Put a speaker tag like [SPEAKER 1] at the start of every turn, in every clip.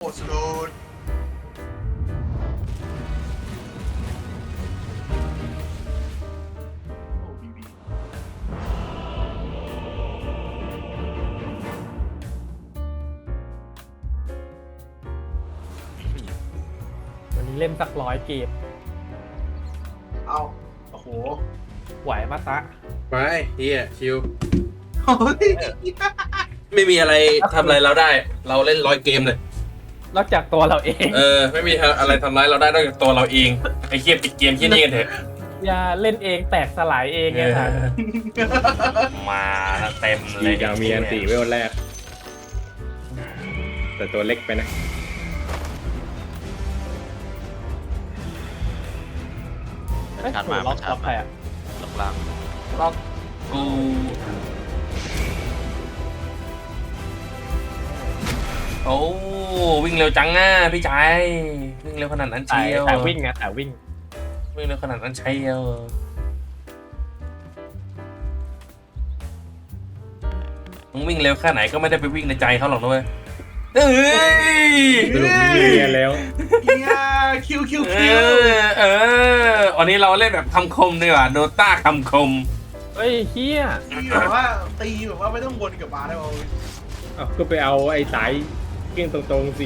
[SPEAKER 1] สโลดโอ้บีบี
[SPEAKER 2] วันนี้เล่นสัก100 เกม
[SPEAKER 1] เอาโอ้โห
[SPEAKER 2] ไหวมาตะ
[SPEAKER 3] ไปเฮียชิว
[SPEAKER 1] เฮ้ย
[SPEAKER 3] ไม่มีอะไรทำอะไรเราได้ เราเล่น100 เกมเลย
[SPEAKER 2] นอกจากตัวเราเอง
[SPEAKER 3] ไม่มีอะไรทำร้ายเราได้นอกจากตัวเราเองไอ้เกียปิดเกมที่นี่กันเถอะ
[SPEAKER 2] อย่าเล่นเองแตกสลายเองไงท่าน
[SPEAKER 3] มาเต็มเล
[SPEAKER 4] ลี
[SPEAKER 3] ย
[SPEAKER 4] กามีอันตีเวลแรก แต่ตัวเล็กไปนะ
[SPEAKER 2] เอ้ย
[SPEAKER 5] ชัดมา
[SPEAKER 2] ล็อก
[SPEAKER 5] ชั
[SPEAKER 2] ล็
[SPEAKER 5] ด
[SPEAKER 2] อก
[SPEAKER 5] มา
[SPEAKER 2] ใครอะ
[SPEAKER 5] ลงล่าง
[SPEAKER 2] ล็อก
[SPEAKER 3] กูโอ้วิ่งเร็วจังอ่ะพี่ชายวิ่งเร็วขนาดนั้น
[SPEAKER 2] สาย
[SPEAKER 3] เชียว
[SPEAKER 2] สายวิ่งไงสายวิ่ง
[SPEAKER 3] วิ่งเร็วขนาดนั้นเชียวมึงวิ่งเร็วแค่ไหนก็ไม่ได้ไปวิ่งในใจเขาหรอกนะเว้ยเอ้ย
[SPEAKER 4] สรุปมีเรียนแล้ว
[SPEAKER 1] เฮียคิว
[SPEAKER 3] วันนี้เราเล่นแบบคำคมดีกว่าโดต้าคำคม
[SPEAKER 2] เฮ้ยเฮีย
[SPEAKER 1] ตีแบบว่าตีแบบว่าไม่ต้องวนกลับมาได้ป่าว
[SPEAKER 4] อ้าวก็ไปเอาไอ้สายเกี้ยงตรงๆสิ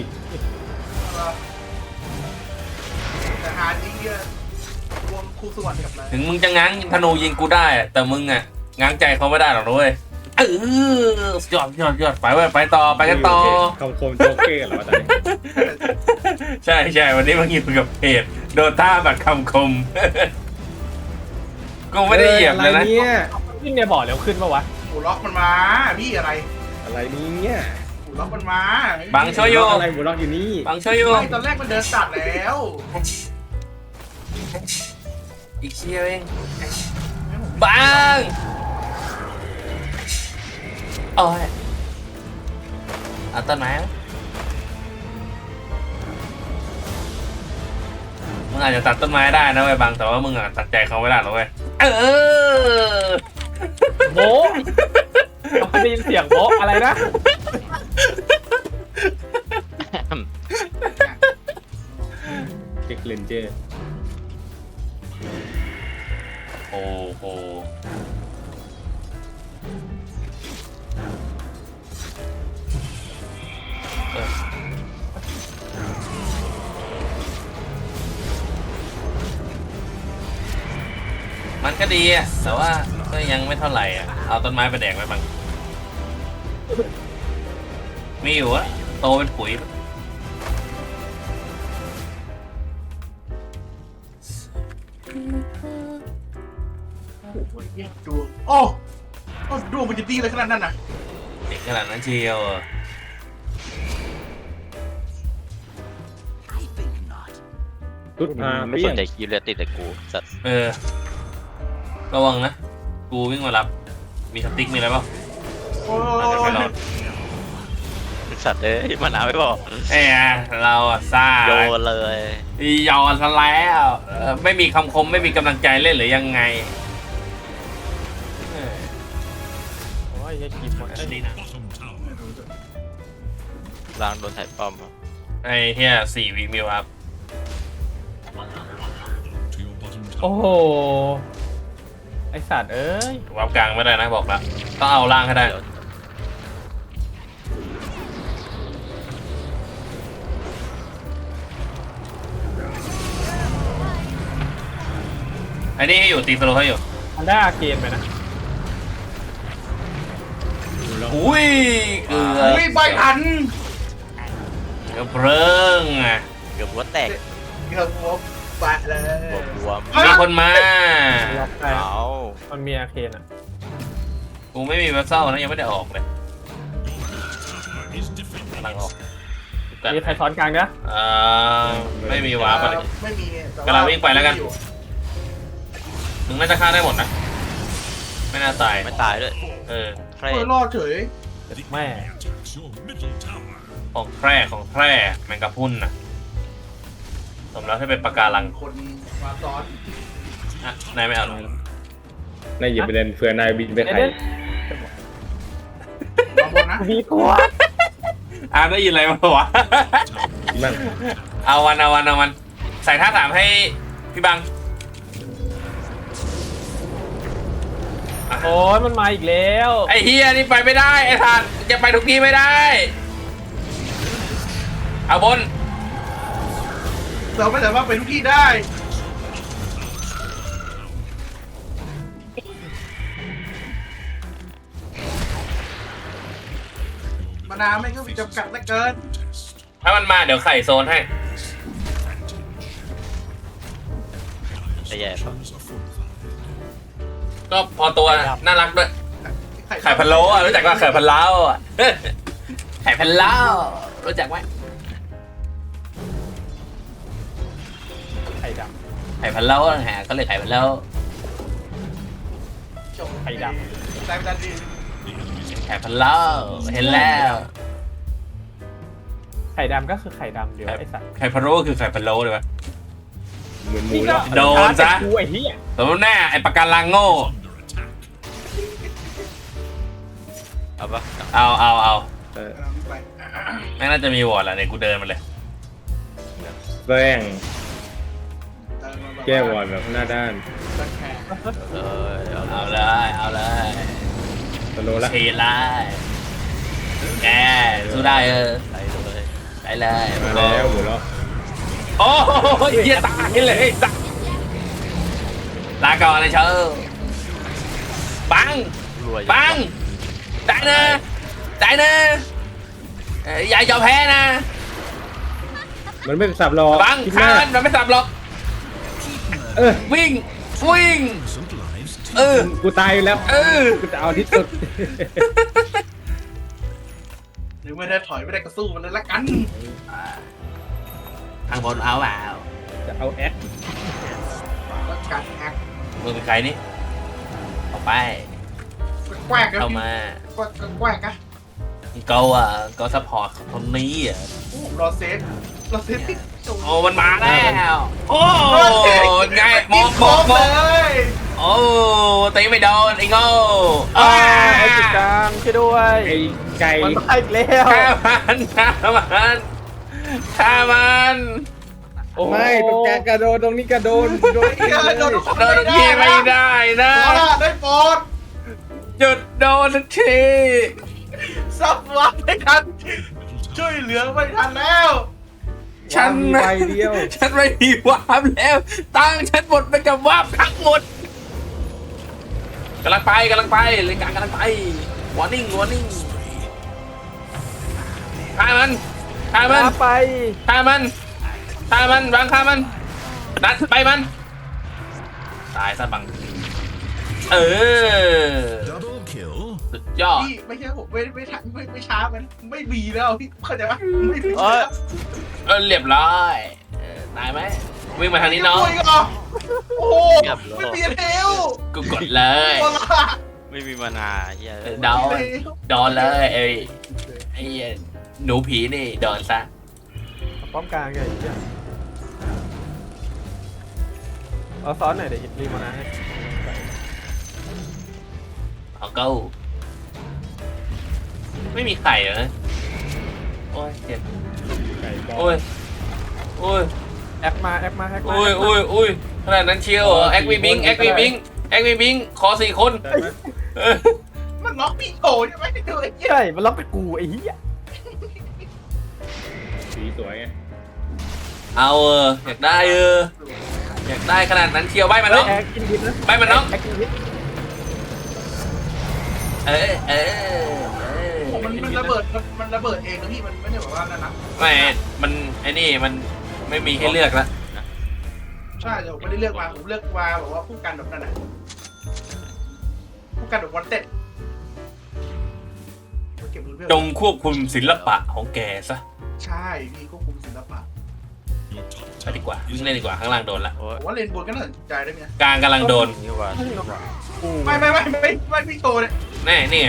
[SPEAKER 1] แต่หาจริงเนี่ยรวมครูสวัสดิ์กับอะไร
[SPEAKER 3] ถึงมึงจะง้างธนูยิงกูได้อะแต่มึงอ่ะง้างใจเขาไม่ได้หรอกนะเว้ยยอดไปเว้ยไปต่อไปกันต่อ
[SPEAKER 4] คำคมโจ๊กเกอร์เหรอวะตอนนี้
[SPEAKER 3] ใช่วันนี้มึงอยู่กับเพจโดต้าแบบคำคม กูไม่ได้เหยียบเลยนะ
[SPEAKER 4] อะไรเนี่ย
[SPEAKER 2] วิ่งเนี่ยบอกเร็วขึ้นปะวะ
[SPEAKER 1] หูล็อกมันมาพี่อะไร
[SPEAKER 4] อะไรเนี่ย
[SPEAKER 1] หูล็อกมันมา
[SPEAKER 3] บังช่วยอยู่
[SPEAKER 4] อะไรบุล็อกอยู่นี่
[SPEAKER 3] บังช่วยอยู่
[SPEAKER 1] ไม่ตอนแรกมันเดินตัดแล้ว
[SPEAKER 3] อีกเชียวเองบังโอ้ยเอาต้นไม้ไหมมึงอาจจะตัดต้นไม้ได้นะเว้ยบังแต่ว่ามึงอ่ะตัดใจเขาไม่ได้หรอกเว้ย
[SPEAKER 2] โบะเราได้ยินเสียงโบะอะไรนะ
[SPEAKER 4] เก็กเลนเจอร์
[SPEAKER 3] โอ้โหมันก็ดีอะแต่ว่าก็ยังไม่เท่าไหร่อะเอาต้นไม้ไปแดกไว้บ้างมีอยู่อะโตเป็นปุ๋ย
[SPEAKER 1] ดูโอ้ดูมันจะดีเลยขนาดนั้นน่ะ
[SPEAKER 3] เด็กขนาดนั้นเชียวอะ
[SPEAKER 4] ชุดพา
[SPEAKER 5] ไม่
[SPEAKER 4] เปี้
[SPEAKER 5] ส
[SPEAKER 4] ย
[SPEAKER 5] น
[SPEAKER 4] ง
[SPEAKER 5] ใจคิวเลยติดแต่กูสัตว์
[SPEAKER 3] ระวังนะกูวิ่งมารับมีสติ๊กมีอะไรเปล่า
[SPEAKER 1] โอ้
[SPEAKER 3] อาจจะไม่รอด
[SPEAKER 5] สัตว์เอ้ยมานาวไม่บอก
[SPEAKER 3] เราอะซ่า
[SPEAKER 5] โยนเลย
[SPEAKER 3] ยอนซะแล้วไม่มีคำคมไม่มีกำลังใจเล่นหรือยังไง
[SPEAKER 2] โอ้ยยังกีบหมดเอ้ย
[SPEAKER 5] ล่างโดนถ่ายป้อมครับ
[SPEAKER 3] ไอ้เฮีย4 วิมิวครับ
[SPEAKER 2] โอ้โหไอสัตว์เอ้ย
[SPEAKER 3] วับกลางไม่ได้นะบอกแล้วต้องเอาล่างให้ได้
[SPEAKER 5] เดี๋ยว
[SPEAKER 3] ไอ้นี่ให้อยู่ตีสโลให้อยู่
[SPEAKER 2] อันได้อาเกมไปนะ
[SPEAKER 3] อุ้ยเกือบ
[SPEAKER 1] ไม่ใบทัน
[SPEAKER 3] เกือบเริ่งอ่ะ
[SPEAKER 5] เกือบหัวแตก
[SPEAKER 1] เกือบหัวแปะเลย
[SPEAKER 5] หัวบวม
[SPEAKER 3] มีคนมา
[SPEAKER 2] ล็อกไป
[SPEAKER 5] เอา
[SPEAKER 2] มันมีอาเคนอ่ะ
[SPEAKER 3] กูไม่มีวัสเซลนะยังไม่ได้ออกเลยกำลังออก
[SPEAKER 2] มีใครซ้อนกลางนะ
[SPEAKER 3] ไม่มีวาร์ปอะไร
[SPEAKER 1] ไม่มี
[SPEAKER 3] กำลังวิ่งไปแล้วกัน มึงน่าจะฆ่าได้หมดนะไม่น่าตาย
[SPEAKER 5] ไม่ตายด้วย
[SPEAKER 1] เฮ้ยรอดเฉย
[SPEAKER 2] แม่
[SPEAKER 3] ของแคร่แมงกะพรุนนะสมแล้วที่เป็นปะการัง
[SPEAKER 1] คนมาซ้อน
[SPEAKER 3] อ่ะนายไม่เอาหรอ
[SPEAKER 4] นายหยิบไปเดินเผื่อนายบินไปไทย
[SPEAKER 1] มาบนนะ
[SPEAKER 2] มีตัว
[SPEAKER 3] ได้ยินอะไรมาวะ
[SPEAKER 4] มัน
[SPEAKER 3] เอาวันใส่ท่าถามให้พี่บัง
[SPEAKER 2] โอ้ยมันมาอีกแล้ว
[SPEAKER 3] ไอ้เฮียนี่ไปไม่ได้ไอ้ท่านจะไปทุกที่ไม่ได้เอาบน
[SPEAKER 1] เราไม่สามารถไปทุกที่ได้มานาไม่ก็มีจำกัดเหลือเกิน
[SPEAKER 3] ถ้ามันมาเดี๋ยวไข่โซนให้
[SPEAKER 5] จะแย่ปะ
[SPEAKER 3] ก็พอตัวน่ารักด้วยไข่พะโล้อะรู้จักว่าไข่พะเล้าอะไข่พะเล้ารู้จักไหม
[SPEAKER 2] ไข่ด
[SPEAKER 3] ไข่พะเล้าหาก็เลยไข่พะเล้า
[SPEAKER 1] จบ
[SPEAKER 2] ำไข่ด
[SPEAKER 1] ใจมันดันดี
[SPEAKER 3] ไข่พะเล้าเห็นแล้ว
[SPEAKER 2] ำไข่ดำก็คือไข่ดำเดี๋ยวไอ้สัตว์
[SPEAKER 3] ไข่พะโล้คือไข่พะโล้เลยวะ
[SPEAKER 4] เหมือนหมูแล้ว
[SPEAKER 3] โดนซะ
[SPEAKER 2] กูไอ้เหี้ย
[SPEAKER 3] สมมติแน่ไอ้ปากการังโง่
[SPEAKER 5] เอาปะ
[SPEAKER 3] เอา
[SPEAKER 4] เออ
[SPEAKER 1] ไป
[SPEAKER 3] แม่งน่าจะมีวอร์ดแหละเนี่ยกูเดินมาเลย
[SPEAKER 4] แป้ง
[SPEAKER 1] เดินมาบบ
[SPEAKER 4] แก้วอร์ดแบบหน้าด้าน
[SPEAKER 1] เดินแขก
[SPEAKER 5] เอาเลย
[SPEAKER 3] เอาเลย
[SPEAKER 4] สโลละ
[SPEAKER 3] ฉีดเลยแกสู้ได้
[SPEAKER 5] ไปเลย
[SPEAKER 3] ได้เลย
[SPEAKER 4] มาแล้วหมูแล้ว
[SPEAKER 3] โอ้ยเหี้ยตายเลยสัสลาก่อนเลยเชอบัง
[SPEAKER 5] รวย
[SPEAKER 3] บังได้นะอย่ายอมแพ้นะ
[SPEAKER 4] มันไม่สับหรอก
[SPEAKER 3] บัง
[SPEAKER 4] คิด
[SPEAKER 3] ฆ่าม
[SPEAKER 4] าก
[SPEAKER 3] มันไม่สับหรอก
[SPEAKER 4] เออ
[SPEAKER 3] วิ่งเออ
[SPEAKER 4] กูตายอยู่แล้ว
[SPEAKER 3] เออ
[SPEAKER 4] กูจะเอาที่สุด
[SPEAKER 1] หรือไม่ได้ถอยไม่ได้ก็สู้มันเลยละกัน
[SPEAKER 3] ทางบนเอาเปล่า
[SPEAKER 4] จะเอาแอค
[SPEAKER 1] แล้วการแอค
[SPEAKER 3] มึงเป็นใครนี่ออกไป
[SPEAKER 1] แกว้งกัน
[SPEAKER 3] เข้ามา
[SPEAKER 1] แกว้งกัน
[SPEAKER 3] ก็ซัพพอร์ตคนนี้อ่ะ
[SPEAKER 1] รอเซฟที่
[SPEAKER 3] โอ้มันมาแล้วโอ้ไงมอง
[SPEAKER 1] เลย
[SPEAKER 3] โอ้ตีไม่โดนไอ้โง่
[SPEAKER 2] ไอ้จุดกลางช่วยด้วย
[SPEAKER 4] ไอ้ไก่
[SPEAKER 2] มันมาอีกแล้ว
[SPEAKER 3] ฆ่ามัน
[SPEAKER 2] โอ้
[SPEAKER 4] ไม่ตรงกลางกระโดดตรงนี้กระโดดโดน
[SPEAKER 1] โดน
[SPEAKER 3] โดนทีไม่ได้นะ
[SPEAKER 1] ขอละได้โปรด
[SPEAKER 3] หยุดโดนที
[SPEAKER 1] ซับวัดไม่ทันช่วยเหลือไม่ทันแล้ว
[SPEAKER 3] ฉัน
[SPEAKER 4] มีใบเดียว
[SPEAKER 3] ฉันไม่มีวาร์ปแล้วตั้งฉันหมดไปกับวาร์ปทั้งหมดกำลังไปเลยกลางกำลังไปวอร์นิ่งฆ่ามัน
[SPEAKER 2] มาไป
[SPEAKER 3] ฆ่ามันบังฆ่ามันนัดไปมันตายซะบังเออ
[SPEAKER 6] Double kill.
[SPEAKER 3] สุดยอด
[SPEAKER 1] พี่ไม่ใช่ผมไม่ทันไม่ช้ามันไม่มีแล้วพี่เข้าใจปะไม่มี
[SPEAKER 3] เรียบร้อยตายไหมวิ่งมาทางนี้น้อง
[SPEAKER 1] โอ้โหไม่มีเทล
[SPEAKER 3] กูกดเลย
[SPEAKER 1] โอ้ล่ะ
[SPEAKER 5] ไม่มีมานาเฮีย
[SPEAKER 3] โดนเลยไอ้หนูผีนี่โดนซะ
[SPEAKER 2] ป้อมกลางไงไอ้เหี้ยเอาซ้อนหน่อยเดี๋ยวรีบมานะให้
[SPEAKER 3] เอาเก้าไม่มีไข่เหรอโอ้ยเจ็บ
[SPEAKER 4] ไก่บอ
[SPEAKER 3] โอ้
[SPEAKER 4] ล
[SPEAKER 3] ย
[SPEAKER 2] แอคมา
[SPEAKER 3] โอ้ยขนาดนั้นเชียวเหรอแอควีบิงขอ4 คน
[SPEAKER 4] ได้ไหม
[SPEAKER 1] มันล็อกพี่โถใช่ไหมดูไอ้เหี้ย
[SPEAKER 2] ใช่มันล็อกแต่กูไอ้เหี้ย
[SPEAKER 4] สีสวยไง
[SPEAKER 3] เอาอยากได้อยากได้ขนาดนั้นเชียวใบมันน้อง
[SPEAKER 2] แอคกินพิษนะ
[SPEAKER 3] ใบมันน้อง
[SPEAKER 2] แอคกินพิษ
[SPEAKER 1] มันระเบิดมันระเบิดเองนะพี่มันไม่ได้แบบว่านั่นนะ
[SPEAKER 3] ไม่มันไอ้นี่มันไม่มีให้เลือกแล้ว
[SPEAKER 1] ใช่เดี๋ยวผมไม่ได้เลือกมาผมเลือกมาแบบว่าผู้กันแบบนั้นนะผู้กันแบบวันเต็ดเก็บมือเพื่อน
[SPEAKER 3] จงควบคุมศิลปะของแกซะ
[SPEAKER 1] ใช่พี่ควบคุมศิลปะ
[SPEAKER 3] ไปดีกว่าวิ่งเล่นดีกว่าข้างล่างโดนละ
[SPEAKER 5] โอ้ย
[SPEAKER 1] ผมว่าเลนบนก็น่าสนใจได้ไหม
[SPEAKER 3] กลางกำลังโดน
[SPEAKER 5] นี่ว่า
[SPEAKER 2] กู
[SPEAKER 1] ไม่พี่โตเนี่ย
[SPEAKER 3] แน่นี่ไง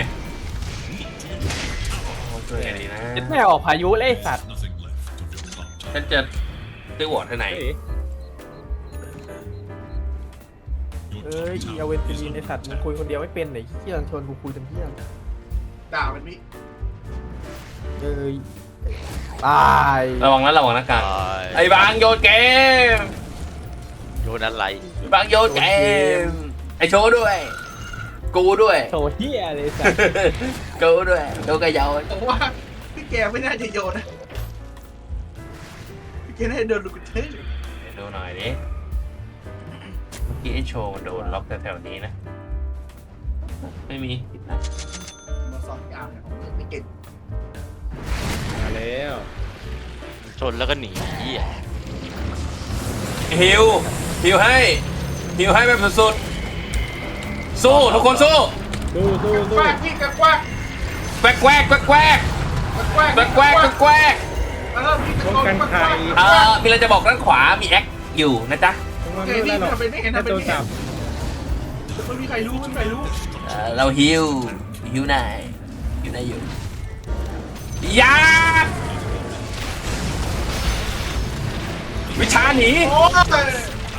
[SPEAKER 3] โอ้ช่วยกันดีนะ
[SPEAKER 2] แม่ออกพายุเลยไอ้สัตว์
[SPEAKER 6] Nothing left of your content.
[SPEAKER 3] ฉันจะซื้อวอร์ดที่ไหน
[SPEAKER 4] เฮ้ย
[SPEAKER 2] เอ้ยเอาเวนติลีนไอ้สัตว์มึงคุยคนเดียวไม่เป็นไหนเหี้ยชวนกูคุยจนเหี้ย
[SPEAKER 1] ด่ามันพี่
[SPEAKER 2] เอ้ยตาย
[SPEAKER 3] ระวังนะระวังนะการ
[SPEAKER 5] ตาย
[SPEAKER 3] ไอ้บางโยนเกม
[SPEAKER 5] โยนอะไร
[SPEAKER 3] ไอ้บางโยนเกมไอ้โชว์ด้วย กูด้วย
[SPEAKER 2] โถเฮียเลยสัส
[SPEAKER 3] กูด้วยกูกระเยา
[SPEAKER 1] ผมว่าพี่แกไม่น่าจะโยนนะพี่แกน่าจะโดนลูกเทพ
[SPEAKER 3] ดูหน่อยดิเมื่อกี้ไอ้โชว์มันโดนล็อกแถวๆนี้นะไม่มีผิดนะ
[SPEAKER 1] มาสอนยามเนี่ยผมไม่เก่ง
[SPEAKER 4] มาแล้ว
[SPEAKER 5] ชนแล้วก็หนีเหี้ย
[SPEAKER 3] ฮิวให้แบบสุดๆสู้ทุกคนสู้
[SPEAKER 4] สู้สู้
[SPEAKER 1] ก
[SPEAKER 4] สู้
[SPEAKER 1] ว้างพี่กว้าง
[SPEAKER 3] แกวก
[SPEAKER 1] แล้วพี่ตะ
[SPEAKER 4] ป้อง
[SPEAKER 1] โกน
[SPEAKER 4] กัน
[SPEAKER 1] กว้าง
[SPEAKER 4] ไข่
[SPEAKER 3] มีอะไรจะบอกด้านขวามีแอคอยู่นะจ๊ะ
[SPEAKER 4] ต้องมา
[SPEAKER 1] แก
[SPEAKER 4] ไม่
[SPEAKER 1] พี่
[SPEAKER 4] ได้หรอก
[SPEAKER 1] ทำเป็นไม่เห็น
[SPEAKER 4] ถ้า
[SPEAKER 1] ทำเป็น
[SPEAKER 4] โดน
[SPEAKER 1] ไม่เห็
[SPEAKER 4] จั
[SPEAKER 1] น
[SPEAKER 4] บ
[SPEAKER 1] ไม่มีใครรู้ไม่มีใครรู้
[SPEAKER 3] เราฮิวนายอยู่ยาวิชาหนี
[SPEAKER 1] โอ้ย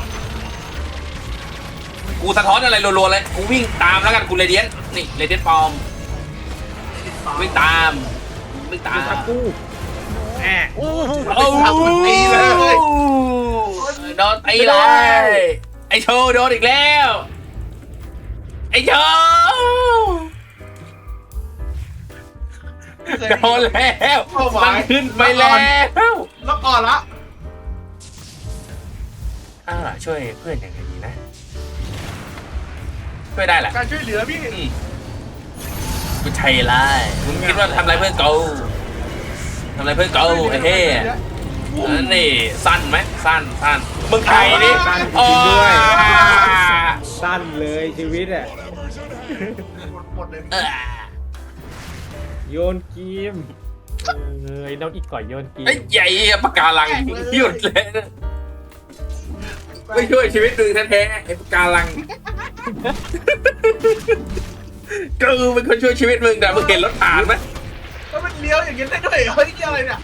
[SPEAKER 3] กูสะท้อนอะไรรัวๆเลยกูวิ่งตามแล้วกันกูเรเดียนนี่เรเดียนปลอมวิ่งตาม
[SPEAKER 4] จับกูแอะ
[SPEAKER 3] โอ้ตีเลยโดนตีเลย ไอโชว์โดนอีกแล้ว ไอโชว์โดนแล้วมันขึ้นไปแล้ว
[SPEAKER 1] แล้วก่อนละ
[SPEAKER 3] ช่วยเพื่อนยังไงดีนะ ช่วยได้แหละ
[SPEAKER 1] การช่วยเหลือพี่
[SPEAKER 3] กูชัยไล่มึงคิดว่าทำอะไรเพื่อนกูทำอะไรเพื่อนกูไอ้เฮ้นี่สั้นไหมสั้นมึงใครนี่
[SPEAKER 4] สั้นเลยชีวิตอ่ะ
[SPEAKER 1] หมดเลย
[SPEAKER 4] โยนกีม
[SPEAKER 2] ไอ้น้องอีกก่อยโยนกี
[SPEAKER 3] ไอ้ใหญ่ปากกาลังหยุดเลยไม่ช่วยชีวิตมึงแท้ๆไอ้ปากกาลังกูเป็นคนช่วยชีวิตมึงแต่มึงเห็นรถผ่านไหม
[SPEAKER 1] แล้วมันเลี้ยวอย่างนี้ได้ด้วยเฮ้ยนี่อะไรเนี่ย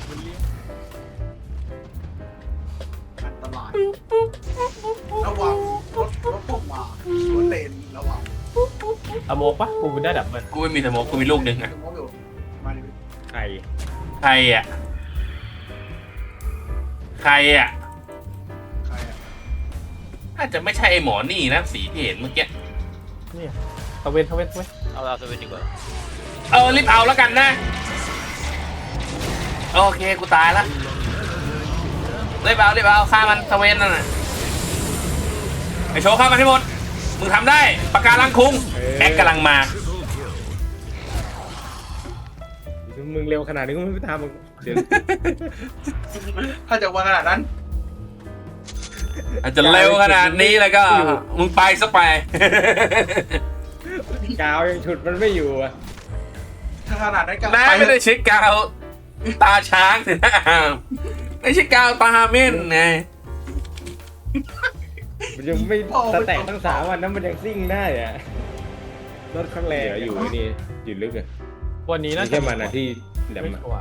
[SPEAKER 1] อันตรายระวังรถพวกมารถเลนระวัง
[SPEAKER 2] อะโมกปะกูได้ดับมัน
[SPEAKER 3] กูไม่มีสโมกกูมีลูกหนึ่งอะ
[SPEAKER 1] มองอยู่มาดิ
[SPEAKER 4] ไข่
[SPEAKER 3] ใครอ่ะ
[SPEAKER 1] ใครอ่ะ
[SPEAKER 3] น่าจะไม่ใช่ไอ้หมอนี่นะสีที่เห็นเมื่อกี้
[SPEAKER 2] เนี่ยทเวนเว้ย
[SPEAKER 5] เอาตัวเป็นดีกว่า
[SPEAKER 3] รีบเอาแล้วกันนะโอเคกูตายละรีบเอาฆ่ามันตะเวนนั่นน่ะไอโชว์ฆ่ามันให้หมดมึงทำได้ปากกาลังคุงแอคกำลังมา
[SPEAKER 4] มึงเร็วขนาดนี้กูไม่ไปทำมึงเดี๋ยว
[SPEAKER 1] ถ้าจะว่าขนาดนั้น
[SPEAKER 3] อาจจะเร็วขนาดนี้แล้วก็มึงไปซะไป
[SPEAKER 4] กาวยังฉุดมันไม่อยู่อ่ะ
[SPEAKER 1] ถ้าขนาดนั้นก็
[SPEAKER 3] น้าไม่ได้เช็คกาวตาช้างสินะไม่ใช่กาวตาเม่นไง
[SPEAKER 4] มันยังไม่สแต็กตั้ง3 วันนั้นมันยังซิ่งได้อ่ะรถข้างแรงอยู่นี่อยู่ลึกอ่ะ
[SPEAKER 2] วันนี้น่า
[SPEAKER 4] ไม่
[SPEAKER 2] จะ
[SPEAKER 4] ใช่มันนะที่แหลม
[SPEAKER 2] ไม่
[SPEAKER 4] อะ
[SPEAKER 2] ชัวร์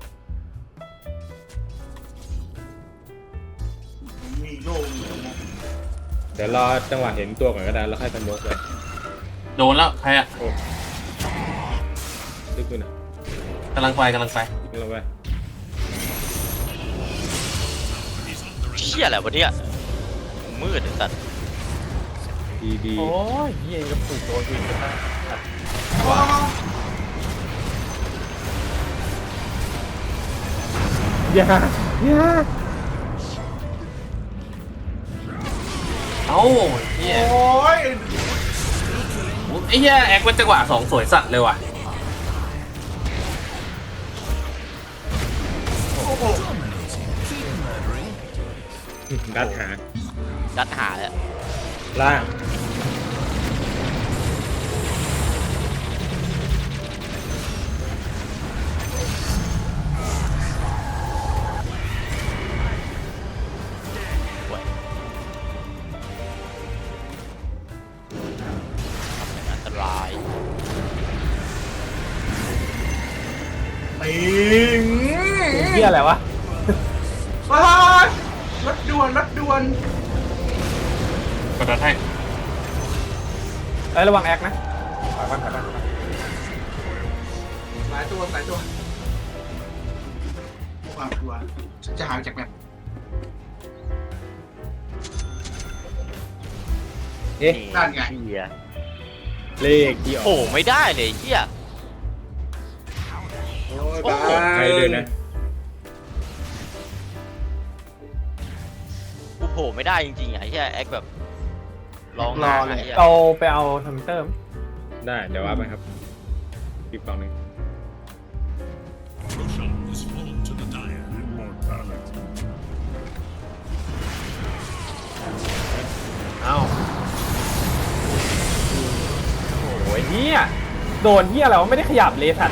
[SPEAKER 1] มีโล่ง
[SPEAKER 4] เดี๋ยวรอจังหวะเห็นตัวก่อนก็ได้แล้วค่อยสโมกเลย
[SPEAKER 3] โดนแล้วใครอะ
[SPEAKER 4] โอ้ลึกไปหน่อย
[SPEAKER 3] กำลังไป
[SPEAKER 4] ลึกลงไป
[SPEAKER 5] เหี้ยอะไรวะเนี่ยมืดไอ้สัตว์
[SPEAKER 4] ดี
[SPEAKER 2] โอ้ยเฮียกับผูกโดนอีกนะ
[SPEAKER 4] อย่า
[SPEAKER 3] เอ้าเฮีย
[SPEAKER 1] โอ้ย
[SPEAKER 3] ไอ้เฮียแอคเป็นจังหวะ2สวยสัตว์เลยว่ะ
[SPEAKER 1] โอ้โห
[SPEAKER 4] ดัดหา
[SPEAKER 5] ดัดหาแล้ว
[SPEAKER 4] ล่าง
[SPEAKER 5] อันตราย
[SPEAKER 1] ปิง
[SPEAKER 2] เฮียอะไรวะ
[SPEAKER 1] รถด่วน
[SPEAKER 3] กดดันให้
[SPEAKER 2] เอ้ยระวังแอคนะถอยบ้าง
[SPEAKER 1] หลายตัวความกลัวฉันจะหายจากแบบ
[SPEAKER 4] เอ๊ะ
[SPEAKER 1] นั่นไง
[SPEAKER 5] เหี้ย
[SPEAKER 4] เลขที่อ
[SPEAKER 5] โอ้
[SPEAKER 4] อก
[SPEAKER 5] ไม่ได้เลยเหี้ย
[SPEAKER 3] โอ้ยบ้า
[SPEAKER 4] ใครเลยนะ
[SPEAKER 5] กูโผล่ไม่ได้จริงๆอ่ะไอ้เหี้ยแอคแบบร้อง
[SPEAKER 1] รอเลย
[SPEAKER 5] ไหี้
[SPEAKER 2] เราไปเอาทำเติม
[SPEAKER 4] ได้เดี๋ยวว่าไปครับอีกฝั่งหนึ่ง
[SPEAKER 6] Roshan has fallen to the dire. Immortality.
[SPEAKER 2] เอ้าโอ้ยเฮียโดนเฮียอะไรวะไม่ได้ขยับเลยสัตว์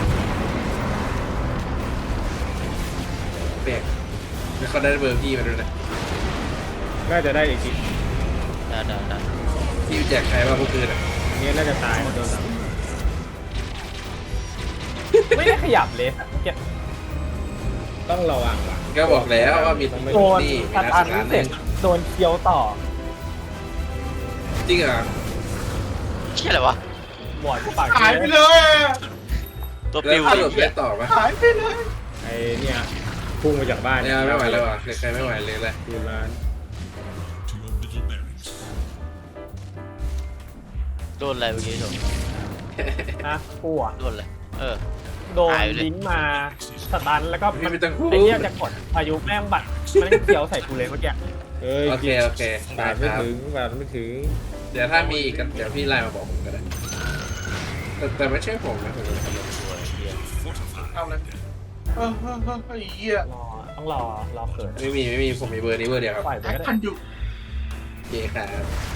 [SPEAKER 3] เปลี่ยนแล้วเขาได้เบอร์พี่มาด้วยนะ
[SPEAKER 4] น่าจะได้อีกที
[SPEAKER 5] ได้
[SPEAKER 3] พี่แจกใครบ้างเมื่อคืนอ่ะ
[SPEAKER 4] อันนี้น่าจะตายนะโดนสาม
[SPEAKER 2] ไม่ได้ขยับเลยสัตว์เก็บ
[SPEAKER 4] ต้องระวังว่ะ
[SPEAKER 3] ก็บอกแล้วว่ามี
[SPEAKER 2] โดน
[SPEAKER 3] นี่มี
[SPEAKER 2] ตัด
[SPEAKER 3] นัก
[SPEAKER 2] อัน
[SPEAKER 3] การ
[SPEAKER 2] เสร็จโดนเคี้ยวต่อ
[SPEAKER 3] จริงเหรอ
[SPEAKER 5] เหี้ยอะไรวะ
[SPEAKER 2] บอดปาก
[SPEAKER 1] หายไปเลย
[SPEAKER 5] ตัว
[SPEAKER 3] แล้
[SPEAKER 5] ปิ
[SPEAKER 3] ว
[SPEAKER 5] ว
[SPEAKER 3] ส
[SPEAKER 5] ไอ้
[SPEAKER 3] รุป
[SPEAKER 5] เหี้
[SPEAKER 3] ได้
[SPEAKER 5] ย
[SPEAKER 3] ต่อปะ
[SPEAKER 1] หายไปเลย
[SPEAKER 4] ไอ้เนี่ยพุ่งมาจากบ้าน
[SPEAKER 3] เนี่ยไม่ไหวแล้วอ่ะใครไม่ไหวเลยแหละ
[SPEAKER 4] ทีมร้าน
[SPEAKER 6] To your middle barracks.
[SPEAKER 5] โดนอะไรเมื่อกี้โดน
[SPEAKER 2] นะกูอ่ะ
[SPEAKER 5] โดนอะไร
[SPEAKER 2] โดน
[SPEAKER 5] หายไปเลย
[SPEAKER 2] ลิงก์มาสตันแล้วก็
[SPEAKER 3] พี่
[SPEAKER 2] มัน
[SPEAKER 3] ไม่ต้องพูด
[SPEAKER 2] ไอ้เหี้ยจะกดพายุแม่งบัดมันเคี้ยวใส่กูเลยเมื่อกี้
[SPEAKER 4] เอ้ย
[SPEAKER 3] โอเคโอเค
[SPEAKER 4] บาทไม่
[SPEAKER 3] ครับ
[SPEAKER 4] ถึงบาทไม่ถึง
[SPEAKER 3] เดี๋ยวถ้ามีอีกก็เดี๋ยวพี่ไลน์มาบอกผมก็ได้แต่ไม่ใช่ผมนะผมจะทำ
[SPEAKER 1] เอาเลยไอ้เหี้ย
[SPEAKER 2] ต้องรอเกิด
[SPEAKER 3] ไม่มีผมมีเบอร์นี้เบอร์เดียวครับ
[SPEAKER 2] ปล่อยไป
[SPEAKER 1] แอค
[SPEAKER 2] ก็ได้
[SPEAKER 1] พันอยู่
[SPEAKER 3] โอเคครับ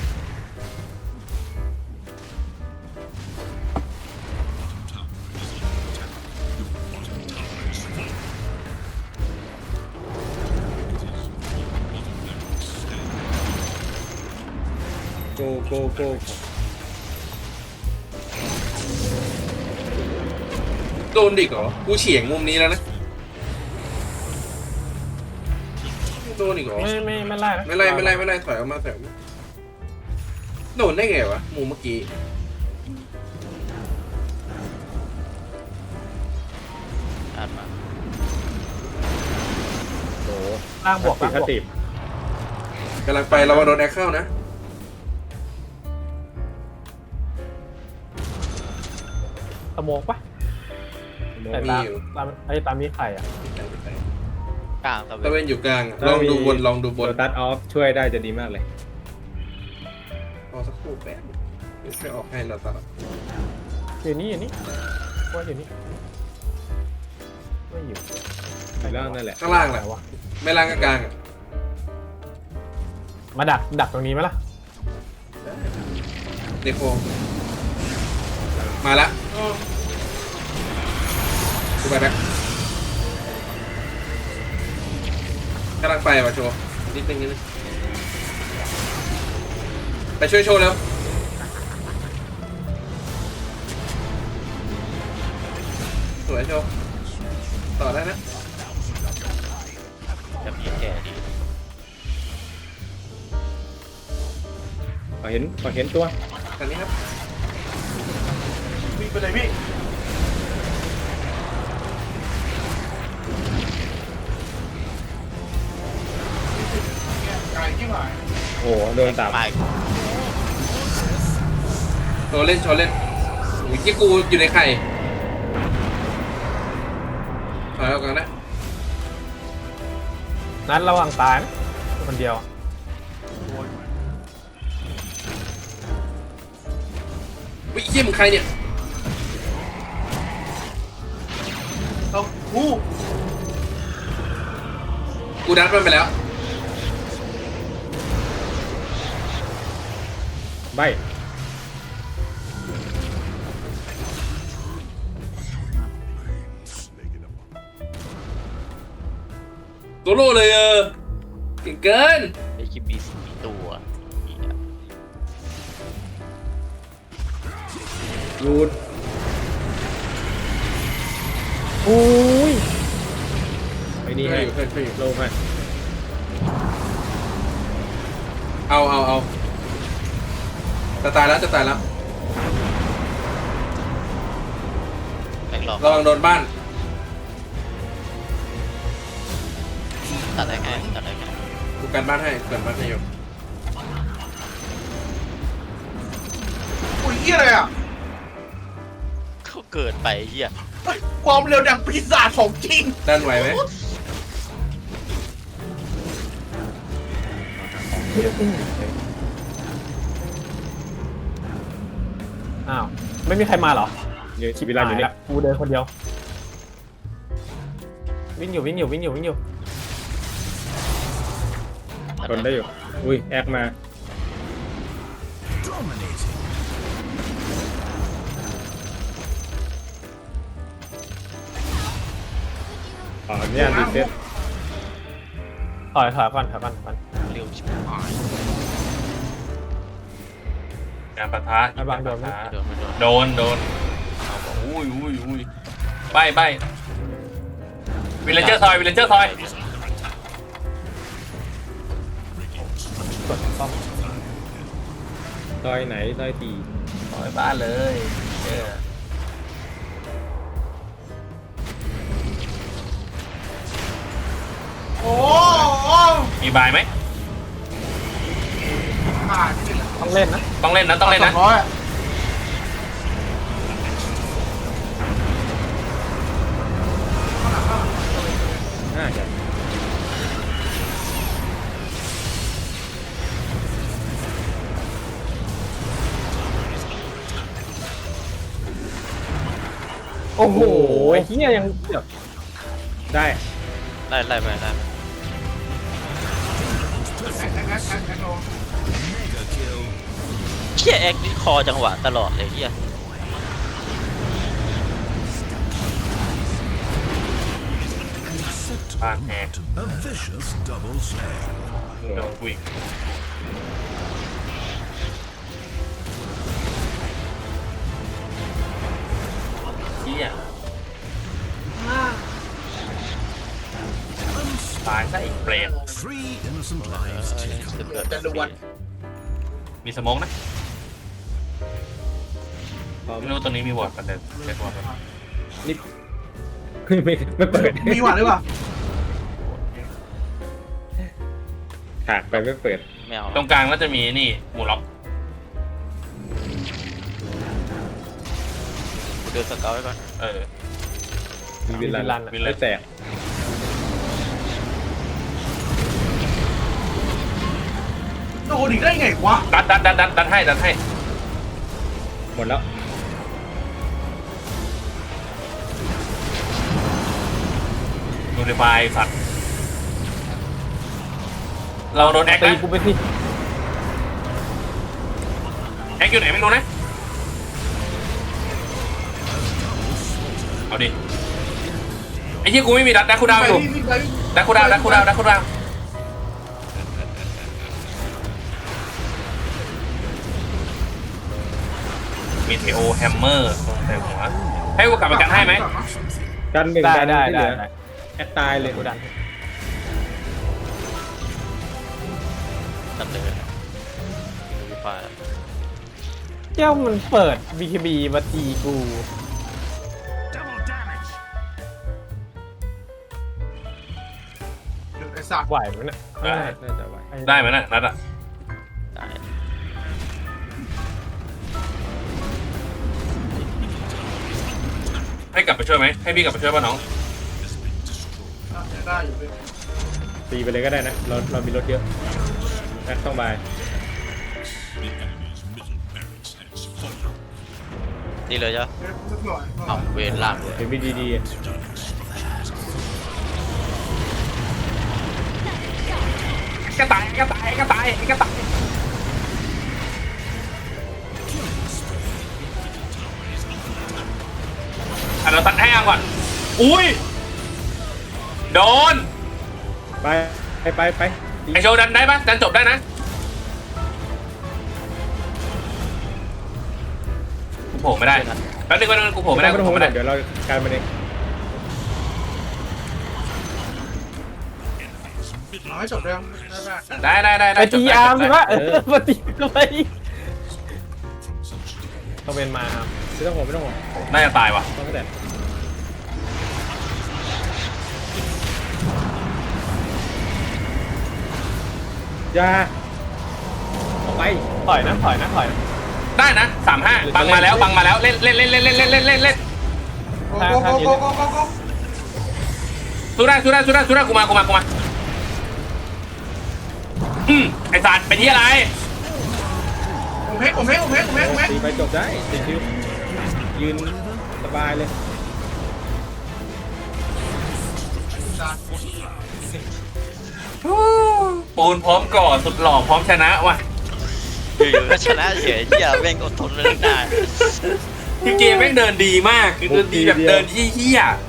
[SPEAKER 4] โกโกโก
[SPEAKER 3] โดนดิกเหรอกูเฉียงมุมนี้แล้วนะโดนอีกเหรอ
[SPEAKER 2] ไม่ไล่นะ
[SPEAKER 3] ไม่ไล่ถอยออกมาโดนได้ไงวะมุมเมื่อกี้
[SPEAKER 5] อ่านมา
[SPEAKER 4] โห
[SPEAKER 2] ล่างบวก
[SPEAKER 4] ติ
[SPEAKER 2] ล่าง
[SPEAKER 4] ด
[SPEAKER 2] บวก
[SPEAKER 4] ติด
[SPEAKER 3] กำลังไปเรามาโดนแอคเข้านะ
[SPEAKER 2] สโมกปะ แต่
[SPEAKER 3] มี
[SPEAKER 2] ตาม
[SPEAKER 3] อยู่
[SPEAKER 2] ตามมีไข่อ่ะ
[SPEAKER 5] กลางตะ
[SPEAKER 3] ตะ
[SPEAKER 5] เว
[SPEAKER 3] เวน นอยู่กลางอะลองดูบนลองดูบน
[SPEAKER 4] ตัดออฟช่วยได้จะดีมากเลย
[SPEAKER 3] รอสักครู่แป๊บเดี๋ยวช่วยออกให้เราตัด
[SPEAKER 2] อยู่นี่ว่าอยู่นี่ไม่อยู่
[SPEAKER 4] อยู่ล่างนั่นแหละ
[SPEAKER 3] ข้างล่างแหละ
[SPEAKER 2] วะ
[SPEAKER 3] ไม่ล่างกับกลางอะ
[SPEAKER 2] มาดักตรงนี้ไหมล่ะ
[SPEAKER 3] เด็กโคมาละกูไปแบ็คกำลังไปว่ะโชว์นิดนึงไปช่วยโชว์แล้วสวยโชว์ต่อได้นะ
[SPEAKER 5] จะมีแก่ดี
[SPEAKER 4] ขอเห็นตัว
[SPEAKER 3] ทางนี้ครับ
[SPEAKER 1] วิ่งไปเลยพี่ไก่ที่หมาย
[SPEAKER 4] โอ้โหโดนตับ
[SPEAKER 5] ไม่
[SPEAKER 3] โชว์เล่นโอ้ยที่กูอยู่ในไข่ถอยออกก่อนนะ
[SPEAKER 2] นั้นระวังตายนะคนเดียว
[SPEAKER 3] วิเยี่ยมงใครเนี่ย
[SPEAKER 1] เอาคู่
[SPEAKER 3] กูดัดมันไปแล้ว
[SPEAKER 4] ใบ
[SPEAKER 3] โซโล่เลยเก่งเกิน
[SPEAKER 5] ไอ้คิปบี4ตัวเหี้ย
[SPEAKER 4] รูด
[SPEAKER 2] อุ้ย
[SPEAKER 4] ไอ้นี่ให้
[SPEAKER 3] ช่วยอยู่
[SPEAKER 4] โลให้
[SPEAKER 3] เอาจะตายแล้ว
[SPEAKER 5] แบงค์หลอก
[SPEAKER 3] ระวังโดนบ้าน
[SPEAKER 5] ตัดได้ไงตัดได้ไง
[SPEAKER 3] กูกันบ้านให้กันบ้านให้อยู่
[SPEAKER 1] อุ้ยเหี้ยอะไรอ่ะ
[SPEAKER 5] เขาเกิดไปเหี้ย
[SPEAKER 1] เฮ้ยความเร็วดังปีศาจของจริง
[SPEAKER 3] ด้านไหวไหม
[SPEAKER 2] อ้าวไม่มีใครมาเหรอ
[SPEAKER 4] เดี๋ยวชีวิตเราอยู่เนี่ย
[SPEAKER 2] กูเดินคนเดียววิ่งอยู่
[SPEAKER 4] ทนได้อยู่อุ้ยแอคมา
[SPEAKER 6] Dominating.
[SPEAKER 4] อ๋อเนี่ยรีเซ็ต
[SPEAKER 2] ถอยก่อน
[SPEAKER 5] เร็วชิบหาย
[SPEAKER 3] การปะทะ
[SPEAKER 2] ระวังโดนไหม
[SPEAKER 5] ไม่โดนไม่โดน
[SPEAKER 3] โดนเอาบอกอุ้ยใบวิลเลนเจอร์ซอย
[SPEAKER 2] กดป้อม
[SPEAKER 4] ซอยไหนซอยตี
[SPEAKER 3] ซอยบ้านเลย
[SPEAKER 1] โอ้โห
[SPEAKER 3] มีบายไหม
[SPEAKER 1] ผ่านที่
[SPEAKER 2] ต้องเล่นนะ
[SPEAKER 3] ต้องเล่นนะ
[SPEAKER 1] 200อ่ะ
[SPEAKER 4] น่าจะ
[SPEAKER 2] โอ้โหไอ้เหี้ยยังแบบ
[SPEAKER 4] ได้
[SPEAKER 5] ไล่ไปไล่ไป
[SPEAKER 6] Mega kill.
[SPEAKER 5] เหี้ยแอ็กนี่คอจังหวะตลอดเลยเหี้ย
[SPEAKER 3] บ้านแหก
[SPEAKER 6] A vicious double slam.
[SPEAKER 3] โดนวิ่งเฮียตายซะอีกเปรต
[SPEAKER 6] Three innocent lives taken.
[SPEAKER 5] เกิด
[SPEAKER 1] จะรวน
[SPEAKER 3] มีสโมองนะ
[SPEAKER 4] พร้อม
[SPEAKER 3] ไม่รู้ตัวนี้มีวอร์ดกันเดิมเช็ควอร์ด
[SPEAKER 4] นี่ไม่เปิด
[SPEAKER 1] มีหวานหรือเปล่า
[SPEAKER 4] ถากไปไม่เปิด
[SPEAKER 5] ไม่เอา
[SPEAKER 3] ตรงกลางก็จะมีนี่หมูล็อก
[SPEAKER 5] กูเดินสเกลไว้ก่อน
[SPEAKER 4] มีวิลลันไม่แตก
[SPEAKER 1] โดนอีกได้ไงวะ
[SPEAKER 3] ดันให้
[SPEAKER 4] หมดแล้ว
[SPEAKER 3] ดูในไฟสัตว์เราโดนแอค
[SPEAKER 2] ตี
[SPEAKER 3] นะ
[SPEAKER 2] กูไปสิ
[SPEAKER 3] แอคอยู่ไหนไม่รู้นะเอาดิไอ้เหี้ยกูไม่มีดักคูดาวอยู่
[SPEAKER 1] ไป
[SPEAKER 3] ดักคูดาวมีเทโอแฮมเมอร์ตรงแต่หัวให้กูกลับมากันให้ไหม
[SPEAKER 4] กันหนึ่ง
[SPEAKER 2] ได้
[SPEAKER 4] กัน
[SPEAKER 2] ได้
[SPEAKER 4] ที่เห
[SPEAKER 2] ได้
[SPEAKER 4] ลือแอคตายเลย
[SPEAKER 2] กูดัน
[SPEAKER 5] ตัดเลยดูไฟล์
[SPEAKER 2] เจ้ามันเปิด BKB มาตีกู
[SPEAKER 6] Double damage.
[SPEAKER 1] ไอ้สัตว์
[SPEAKER 2] ไหวไหมเนี่ย
[SPEAKER 3] ได้
[SPEAKER 4] น่าจะไหว
[SPEAKER 3] ได้ไหมน่ะนัดอะ
[SPEAKER 5] ได้
[SPEAKER 3] ให้กลับไปช่วยไหมให้พี่กลับไปช่วยป่ะน้อง
[SPEAKER 1] ได้อยู่เลย
[SPEAKER 4] ตีไปเลยก็ได้นะ เรามีรถเยอะแอคต้องบาย
[SPEAKER 6] The enemy's middle barracks has fallen.
[SPEAKER 5] นี่เลยจ้ะ
[SPEAKER 1] สักหน่อย
[SPEAKER 5] เอาเวรล่างเลย
[SPEAKER 4] เห็นมีดีๆอ่ะ
[SPEAKER 3] กระต่ายเราตัดให้อ่ะก่อนอุ้ยโดน
[SPEAKER 4] ไป
[SPEAKER 3] ไอโชว์ดันได้ปะดันจบได้นะกูโผล่ไม่ได้แป๊บนึงกูโผล่ไม่ได้
[SPEAKER 4] ไม่ต้องห่วงเดี๋ยวเราการมันเอง
[SPEAKER 1] เอาให้จบเรื่องได้
[SPEAKER 3] ได้
[SPEAKER 2] ไปตีอาร์มสิวะมาตีทำไม
[SPEAKER 6] From such
[SPEAKER 2] ต้องเป็นมาอาร์ม
[SPEAKER 4] ไม่ต้องห่วง
[SPEAKER 3] น่าจะตายวะ
[SPEAKER 4] ต้องแต่
[SPEAKER 6] has
[SPEAKER 4] อย่าออกไป
[SPEAKER 2] ถอยนะถอยนะถอยนะ
[SPEAKER 3] ได้นะ35บังมาแล้วบังมาแล้วเล่นเล่นเล่นเล่นเล่นเล่นเล่นเล่นเล่น
[SPEAKER 1] โกโกโกโกโกโก
[SPEAKER 3] สู้ได้กูมาไอ้สัตว์เป็นที่อะไร
[SPEAKER 1] ผมเพชร
[SPEAKER 4] ตีไปจบได้ติดคิวยืนสบายเลย
[SPEAKER 3] ปูนพร้อมก่อสุดหล่อพร้อมชนะว่ะ
[SPEAKER 5] อยู่ๆก็ชนะเฉยเหี้ยแม่งอดทนไม่ได้
[SPEAKER 3] คือเกมแม่งเดินดีมากคือเดินดีแบบเดินเหี้ยๆ